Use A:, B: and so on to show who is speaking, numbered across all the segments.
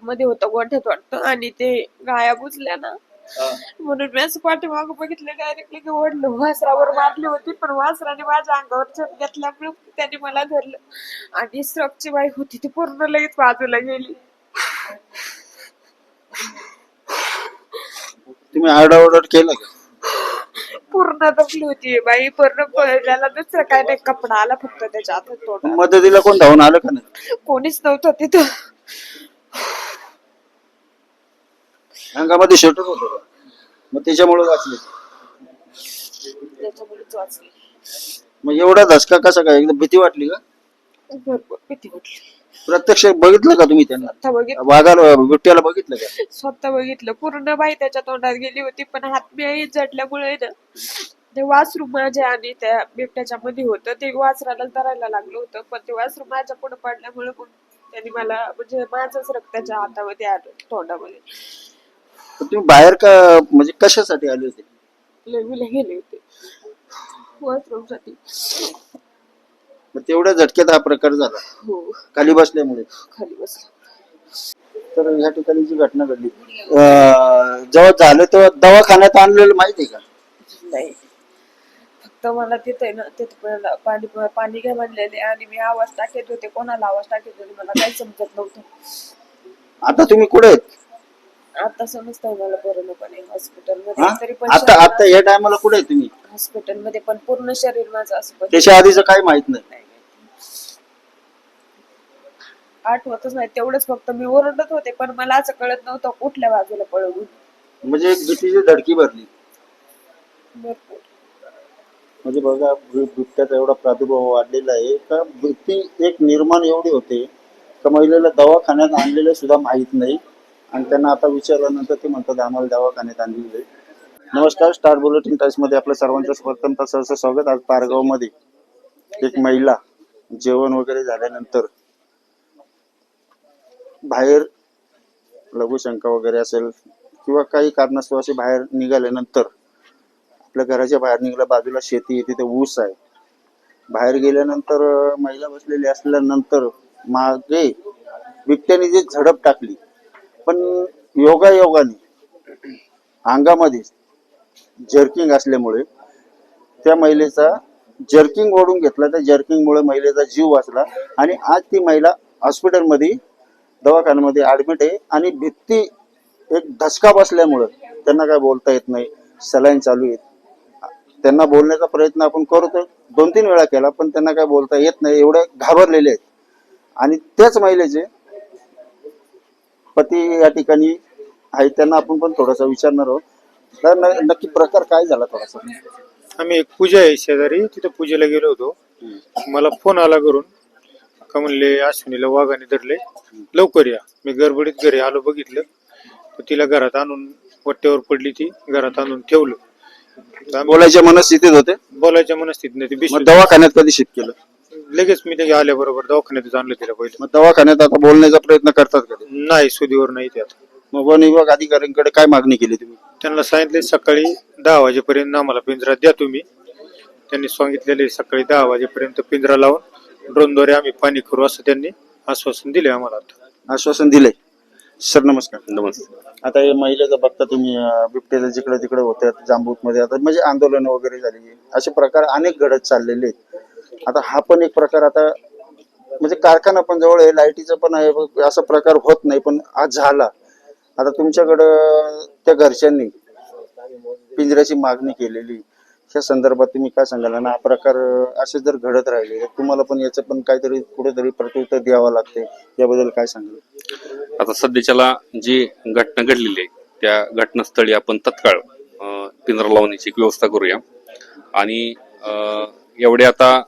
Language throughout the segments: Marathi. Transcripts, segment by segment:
A: मध्ये होतं गोठ्यात वाटतं आणि ते गाया बुजल्या ना म्हणून मी असं पाठीमागं बघितलं डायरेक्टली की ओढलं वासरावर मारली होती पण वासराने माझ्या अंगावर झेप घेतल्यामुळे त्याने मला धरलं आणि स्ट्रकची बाई होती ती पूर्ण लगेच बाजूला गेली.
B: तुम्ही आरडाओरड केलं का?
A: पूर्ण दबली होती बाई पूर्ण त्याला दुसरं काय नाही कपडा आला फक्त त्याच्या हातात तोंडात.
B: मदतीला कोण धावून आलं का नाही?
A: कोणीच नव्हतं तिथं.
B: अंगामध्ये शर्ट होतं मग त्याच्यामुळे वाचले.
A: त्याच्यामुळेच वाचली.
B: मग एवढा धसका कसा काय? एकदम भीती वाटली का?
A: भरपूर भीती वाटली.
B: प्रत्यक्ष बघितलं का तुम्ही त्यांना?
A: स्वतः बघितलं.
B: वाघाला बिबट्याला बघितलं का?
A: स्वतः बघितलं. पूर्ण बाई त्याच्या तोंडात गेली होती पण हातमी जडल्यामुळे ना ते वासरू माझ्या आणि त्या बिबट्याच्या मध्ये होतं ते वासराला धरायला लागलं होतं पण ते वासरू माझ्या पुढे पडल्यामुळे पण त्यांनी मला म्हणजे माझंच रक्त त्याच्या हातामध्ये आलं तोंडामध्ये.
B: तुम्ही बाहेर का म्हणजे कशासाठी आले होते?
A: लग्नाला गेले होते वॉशरूम साठी.
B: मग तेवढ्या झटक्यात हा प्रकार झाला
A: हो
B: खाली बसल्यामुळे.
A: खाली बसला.
B: तर या ठिकाणी जी घटना घडली जेव्हा झालं तेव्हा दवाखान्यात आणलेलं माहिती आहे का?
A: नाही फक्त मला तिथे ना तिथे पाणी पाणी घ्या म्हणलेले आणि मी आवाज टाकत होते कोणाला आवाज टाकत होते मला काही समजत नव्हतं.
B: आता तुम्ही कुठे आहेत?
A: आता समजतंय मला पूर्णपणे हॉस्पिटल
B: हा?
A: मध्ये तरी पण
B: आता आता या टायमाला कुठे आहे तुम्ही?
A: हॉस्पिटल मध्ये पण पूर्ण शरीर माझं असं
B: त्याच्या आधीच काय माहित नाही?
A: आठवतच नाही तेवढंच फक्त मी ओरडत होते पण मला असं कळत नव्हतं कुठल्या बाजूला पळवून.
B: म्हणजे एक भीतीची धडकी भरली.
A: भरपूर
B: म्हणजे बघा बिबट्याचा एवढा प्रादुर्भाव वाढलेला आहे का भीती एक निर्माण एवढी होते का महिलेला दवाखान्यात आणलेलं सुद्धा माहित नाही आणि त्यांना आता विचारल्यानंतर ते म्हणतात आम्हाला दवाखान्यात आणलेलं. नमस्कार, स्टार बुलेटिन टाइम्स मध्ये आपलं सर्वांचं प्रथम सहर्ष स्वागत. आज पारगाव मध्ये एक महिला जेवण वगैरे झाल्यानंतर बाहेर लघुशंका वगैरे असेल किंवा काही कारणास्तव असे बाहेर निघाल्यानंतर आपल्या घराच्या बाहेर निघाल्या बाजूला शेती आहे तिथे ऊस आहे. बाहेर गेल्यानंतर महिला बसलेली असल्यानंतर मागे बिबट्याने जी झडप टाकली पण योगायोगाने अंगामध्ये जर्किंग असल्यामुळे त्या महिलेचा जर्किंग ओढून घेतला. त्या जर्किंगमुळे महिलेचा जीव वाचला आणि आज ती महिला हॉस्पिटलमध्ये दवाखान्यामध्ये ऍडमिट आहे आणि भीती एक धसका बसल्यामुळं त्यांना काय बोलता येत नाही. सलाईन चालू आहेत. त्यांना बोलण्याचा प्रयत्न आपण करतो 2-3 वेळा केला पण त्यांना काय बोलता येत नाही एवढे घाबरलेले आहेत. आणि त्याच महिलेचे पती या ठिकाणी आहेत त्यांना आपण पण थोडासा विचारणार आहोत. तर नक्की प्रकार काय झाला थोडासा?
C: आम्ही एक पूजा आहे शेजारी तिथे पूजेला गेलो होतो. मला फोन आला करून का म्हणले अश्विनीला वाघाने धरले लवकर या. मी गडबडीत घरी आलो बघितलं तर तिला घरात आणून वट्ट्यावर पडली ती घरात आणून ठेवलं.
B: बोलायच्या मनस्थितीत होते?
C: बोलायच्या मनस्थितीत नाही ती
B: मग दवाखान्यात कधी शिफ्ट केलं?
C: लगेच मी ते आल्याबरोबर दवाखान्यातच आणलं तिला पहिलं.
B: मग दवाखान्यात आता बोलण्याचा प्रयत्न करतात का?
C: नाही सुदीवर नाही ते आता.
B: मग वन विभाग अधिकाऱ्यांकडे काय मागणी केली तुम्ही?
C: त्यांना सांगितले सकाळी 10 वाजेपर्यंत आम्हाला पिंजरा द्या तुम्ही. त्यांनी सांगितलेले सकाळी 10 वाजेपर्यंत पिंजरा लावून ड्रोनद्वारे आम्ही पाणी करू असं त्यांनी आश्वासन दिले आम्हाला. आता
B: आश्वासन दिलंय. सर नमस्कार.
D: नमस्कार.
B: आता हे महिलेचं बघता तुम्ही बिबट्याचं जिकडे तिकडे होते जांबूत मध्ये आता म्हणजे आंदोलन वगैरे झाली असे प्रकार अनेक घडत चाललेले आहेत. आता हा पण एक प्रकार आता म्हणजे कारखाना पण जवळ आहे लाईटीचा पण आहे असा प्रकार होत नाही पण आज झाला. आता तुमच्याकडं त्या घरच्यांनी पिंजऱ्याची मागणी केलेली त्या संदर्भात तुम्ही काय सांगाल? आणि हा प्रकार असे जर घडत राहिले तर तुम्हाला पण याचं पण काहीतरी कुठेतरी प्रत्युत्तर द्यावं लागते याबद्दल काय सांगाल?
D: आता सध्याच्याला जी घटना घडलेली आहे त्या घटनास्थळी आपण तत्काळ पिंजरा लावण्याची व्यवस्था करूया. आणि एवढे आता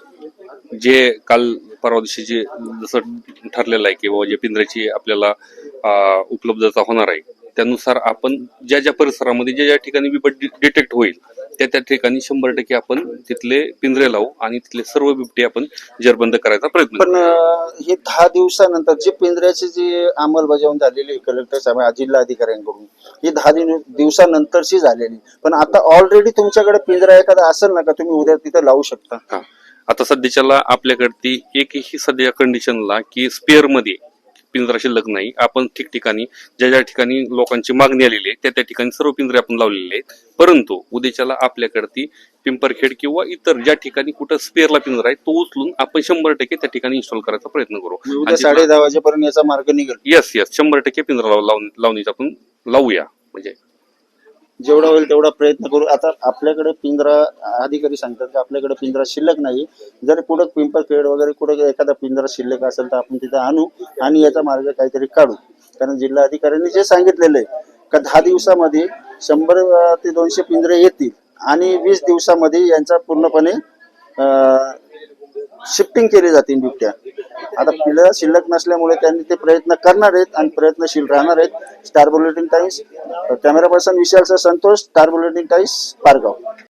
D: जे काल परवा दिवशी जे जसं ठरलेलं आहे की बाबा जे पिंजऱ्याची आपल्याला उपलब्धता होणार आहे त्यानुसार आपण ज्या ज्या परिसरामध्ये ज्या ज्या ठिकाणी बिबट डिटेक्ट होईल त्या त्या ठिकाणी 100% आपण तिथले पिंजरे लावू आणि तिथले सर्व बिबटे आपण जेरबंद करायचा प्रयत्न करू.
B: पण हे 10 दिवसानंतर जे पिंजऱ्याची जी अंमलबजावणी झालेली कलेक्टर साहेब जिल्हा अधिकाऱ्यांकडून ही 10 दिवसानंतरची झालेली पण आता ऑलरेडी तुमच्याकडे पिंजरा एखादा असेल ना का तुम्ही उद्या तिथे लावू शकता?
D: आता सध्याच्याला आपल्याकडे एकही सध्या कंडिशनला की स्पेअर मध्ये पिंजरा शिल्लक नाही. आपण ठिकठिकाणी ज्या ठिकाणी लोकांची मागणी आलेली आहे त्या ठिकाणी सर्व पिंजरे आपण लावलेले आहेत. परंतु उद्याच्याला आपल्याकडे ती पिंपरखेड किंवा इतर ज्या ठिकाणी कुठं स्पेअरला पिंजरा आहे तो उचलून आपण 100% त्या ठिकाणी इन्स्टॉल करायचा प्रयत्न करू.
B: उद्या 10:30 वाजेपर्यंत याचा मार्ग निघेल.
D: येस 100% पिंजरा लावणीचा आपण लावूया. म्हणजे
B: जेवढा होईल तेवढा प्रयत्न करू. आता आपल्याकडे पिंजरा अधिकारी सांगतात की आपल्याकडे पिंजरा शिल्लक नाही. जर पुढे पिंपरखेड वगैरे कुठे एखादा पिंजरा शिल्लक असेल तर आपण तिथे आणू आणि याचा मार्ग काहीतरी काढू. कारण जिल्हा अधिकाऱ्यांनी जे सांगितलेलं आहे का 10 दिवसामध्ये 100 ते 200 पिंजरे येतील आणि 20 दिवसामध्ये यांचा पूर्णपणे शिफ्टिंग केली जातील बिबट्या. आता पिल्ला शिल्लक नसल्यामुळे त्यांनी ते प्रयत्न करणार आहेत आणि प्रयत्नशील राहणार आहेत. Star Bulletin Times, camera person Vishal Santosh, Star Bulletin Times, Pargaon.